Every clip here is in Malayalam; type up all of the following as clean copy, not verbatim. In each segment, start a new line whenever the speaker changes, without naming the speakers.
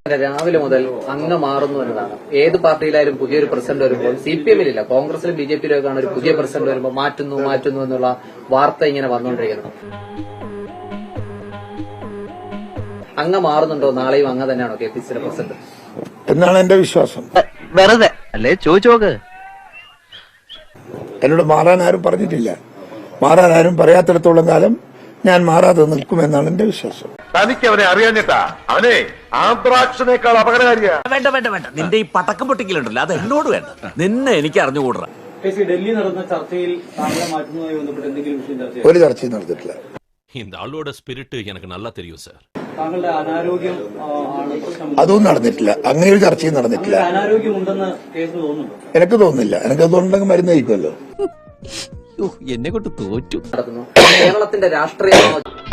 രാവിലെ മുതൽ അങ്ങ് മാറുന്നു എന്നതാണ്. ഏത് പാർട്ടിയിലായാലും പുതിയൊരു പ്രസിഡന്റ് വരുമ്പോൾ CPM-ലില്ല, കോൺഗ്രസിലും BJP-യിലൊക്കെയാണ് ഒരു പുതിയ പ്രസിഡന്റ് വരുമ്പോൾ മാറ്റുന്നു എന്നുള്ള വാർത്ത ഇങ്ങനെ വന്നുകൊണ്ടിരിക്കുന്നത്. അങ്ങ് മാറുന്നുണ്ടോ? നാളെയും അങ്ങ് തന്നെയാണോ KPCC പ്രസിഡന്റ്
എന്നാണ് എന്റെ വിശ്വാസം.
വെറുതെ അല്ലേ ചോദിച്ചു നോക്ക്.
എന്നോട് മാറാൻ ആരും പറഞ്ഞിട്ടില്ല. മാറാൻ ആരും പറയാത്തിടത്തോളം കാലം ഞാൻ മാറാതെ നിൽക്കുമെന്നാണ് എന്റെ വിശ്വാസം.
തനിക്ക് അവനെ അറിയാഞ്ഞിട്ടാ. അവനെ ആന്ത്രാക്സിനേക്കാൾ അപകടകാരിയാ.
വേണ്ട നിന്റെ ഈ പടക്കം പൊട്ടിക്കലുണ്ടല്ലോ, അത് എന്നോട് വേണ്ട. നിന്നെ എനിക്ക് അറിഞ്ഞുകൂടാ.
ഡൽഹി നടന്ന ചർച്ചയിൽ താങ്കളെ മാറ്റുന്നതുമായി ബന്ധപ്പെട്ട് എന്തെങ്കിലും വിഷയം ചർച്ച
ഒരു ചർച്ചയും നടന്നിട്ടില്ല.
இந்த ஆளோட ஸ்பிரிட் எனக்கு நல்லா தெரியும் சார்.
താങ്കളുടെ അനാരോഗ്യം ആണ് പ്രശ്നം.
അതൊന്നും നടന്നിട്ടില്ല. അങ്ങനെ ഒരു ചർച്ചയും നടന്നിട്ടില്ല.
അനാരോഗ്യം ഉണ്ടെന്ന് കേസിൽ തോന്നുന്നുണ്ടോ?
എനിക്ക് തോന്നുന്നില്ല. എനിക്ക് അതുകൊണ്ടെങ്കിൽ മരുന്ന് കഴിക്കുമല്ലോ.
എന്നെ കൊണ്ട് തോറ്റു.
കേരളത്തിന്റെ രാഷ്ട്രീയം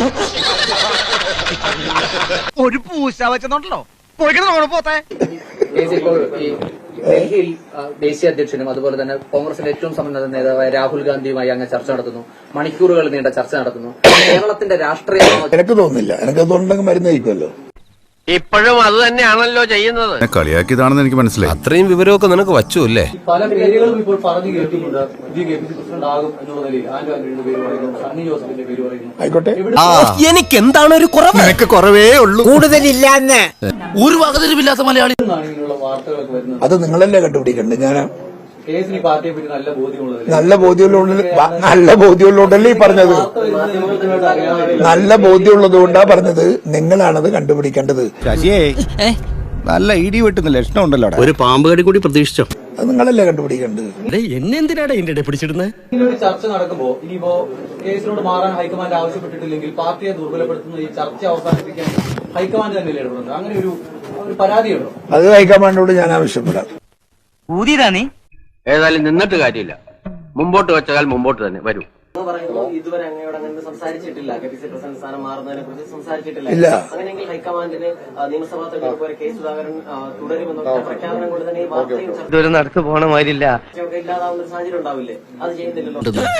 ഒരു പൂശ വെച്ചോണ്ടല്ലോ പോട്ടെ.
ഇപ്പോൾ ഈ ഡൽഹിയിൽ ദേശീയ അധ്യക്ഷനും അതുപോലെ തന്നെ കോൺഗ്രസിന്റെ ഏറ്റവും സമ്പന്ന നേതാവായ രാഹുൽ ഗാന്ധിയുമായി അങ്ങ് ചർച്ച നടത്തുന്നു. മണിക്കൂറുകൾ നീണ്ട ചർച്ച നടത്തുന്നു. കേരളത്തിന്റെ രാഷ്ട്രീയം
എനിക്ക് തോന്നുന്നില്ല. എനിക്ക് അതുകൊണ്ടെങ്കിൽ മരുന്ന് കഴിക്കുമല്ലോ.
ഇപ്പോഴും അത് തന്നെയാണല്ലോ ചെയ്യുന്നത്.
കളിയാക്കിയതാണെന്ന് എനിക്ക് മനസ്സിലായി.
അത്രയും വിവരമൊക്കെ നിനക്ക് വച്ചു അല്ലേ?
പല പേരുകളും ഇപ്പോൾ പറഞ്ഞു കേൾക്കുന്നുണ്ട്. പുതിയ KPCC പ്രസിഡന്റ് ആകും എന്നുള്ള നിലയിൽ ആന്റോ ആന്റണിയുടെ പേര് പറയുന്നു, സണ്ണി ജോസഫിന്റെ പേര് പറയുന്നു.
ആയിക്കോട്ടെ.
എനിക്ക് എന്താണ് ഒരു കുറവ്? എനിക്ക് കുറവേ ഉള്ളൂ, കൂടുതലില്ലാന്ന്. ഒരു വകതിരിവില്ലാത്ത മലയാളി
ഇങ്ങനെയുള്ള വാർത്തകളൊക്കെ വരുന്നത്.
അത് നിങ്ങളല്ലേ കണ്ടുപിടിക്കണ്ടേ? ഞാൻ
കേസിന് പാർട്ടിയെ പറ്റി നല്ല ബോധ്യമുള്ളത്
നല്ല ബോധ്യമുള്ളതല്ലേ ഈ പറഞ്ഞത്. നല്ല ബോധ്യമുള്ളത് കൊണ്ടാ പറഞ്ഞത്. നിങ്ങളാണത് കണ്ടുപിടിക്കേണ്ടത്.
ശശിയേ, നല്ല ഇടി വെട്ടുന്ന ലക്ഷണം ഉണ്ടല്ലോ.
ഒരു പാമ്പ് കടി കൂടി പ്രതീക്ഷിച്ചോ?
അത് നിങ്ങളല്ലേ കണ്ടുപിടിക്കേണ്ടത്.
എന്നെ എന്തിനാണ് ഇതിന്റെ പിടിച്ചിടുന്നത്?
ഇങ്ങനൊരു ചർച്ച നടക്കുമ്പോ ഇനിയിപ്പോ കേസിനോട് മാറാൻ ഹൈക്കമാൻഡ് ആവശ്യപ്പെട്ടിട്ടില്ലെങ്കിൽ പാർട്ടിയെ ദുർബലപ്പെടുത്തുന്ന ഈ ചർച്ച അവസാനിപ്പിക്കാൻ ഹൈക്കമാൻഡ് തന്നെ ഇടപെടുന്നത്, അങ്ങനെ ഒരു പരാതിയുണ്ടോ?
അത് ഹൈക്കമാൻഡിനോട് ഞാൻ ആവശ്യപ്പെടാം.
ഊതിയതാ നീ? ഏതായാലും നിന്നിട്ട് കാര്യമില്ല. മുമ്പോട്ട് വെച്ചാൽ മുമ്പോട്ട് തന്നെ വരൂ.
ഇതുവരെ അങ്ങയോട് അങ്ങനെ സംസാരിച്ചിട്ടില്ല. KPCC പ്രസിഡന്റ് സ്ഥാനം മാറുന്നതിനെ കുറിച്ച് സംസാരിച്ചിട്ടില്ല.
ഇല്ല.
അങ്ങനെയെങ്കിൽ ഹൈക്കമാൻഡിന് നിയമസഭാ തെരഞ്ഞെടുപ്പ് വരെ K സുധാകരൻ തുടരുമെന്നുള്ള പ്രഖ്യാപനം കൊണ്ട് തന്നെ ഈ വാർത്തയും
ഇതൊരു നടക്ക് പോണ മാതിരില്ല.
ചർച്ചയൊക്കെ ഇല്ലാതാവുന്ന ഒരു സാഹചര്യം ഉണ്ടാവില്ലേ? അത് ചെയ്യുന്നില്ലല്ലോ.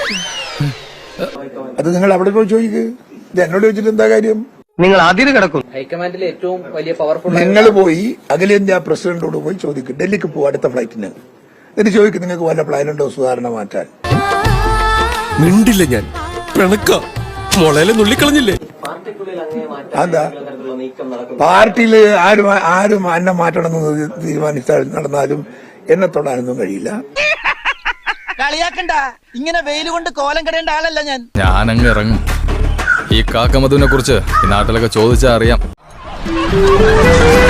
അത് നിങ്ങൾ അവിടെ പോയി ചോദിക്ക്. ഇത് എന്നോട് ചോദിച്ചിട്ട് എന്താ കാര്യം?
നിങ്ങൾ അതിര് കിടക്കും.
ഹൈക്കമാൻഡിലെ ഏറ്റവും വലിയ പവർഫുൾ
നിങ്ങൾ പോയി അഖിലേന്ത്യാ പ്രസിഡന്റോട് പോയി ചോദിക്കും. ഡൽഹിക്ക് പോകും അടുത്ത ഫ്ലൈറ്റിന്. എന്നിട്ട് ചോദിക്കും, നിങ്ങൾക്ക് വല്ല പ്ലാനുണ്ടോ സുധാരണ മാറ്റാൻ?
മിണ്ടില്ല ഞാൻ. പിണക്ക മുളയിലെ നുള്ളിക്കളഞ്ഞില്ലേ?
അതാ പാർട്ടിയില് ആരും എന്നെ മാറ്റണമെന്ന് തീരുമാനിച്ചാൽ നടന്നാലും എന്നെ തൊടാനൊന്നും കഴിയില്ല.
കളിയാക്കണ്ട. ഇങ്ങനെ വെയിൽ കൊണ്ട് കോലം കടയേണ്ട ആളല്ല ഞാൻ.
ഞാനങ്ങ് ഇറങ്ങും. ഈ കാക്കമധുവിനെ കുറിച്ച് ഈ നാട്ടിലൊക്കെ ചോദിച്ചാൽ അറിയാം.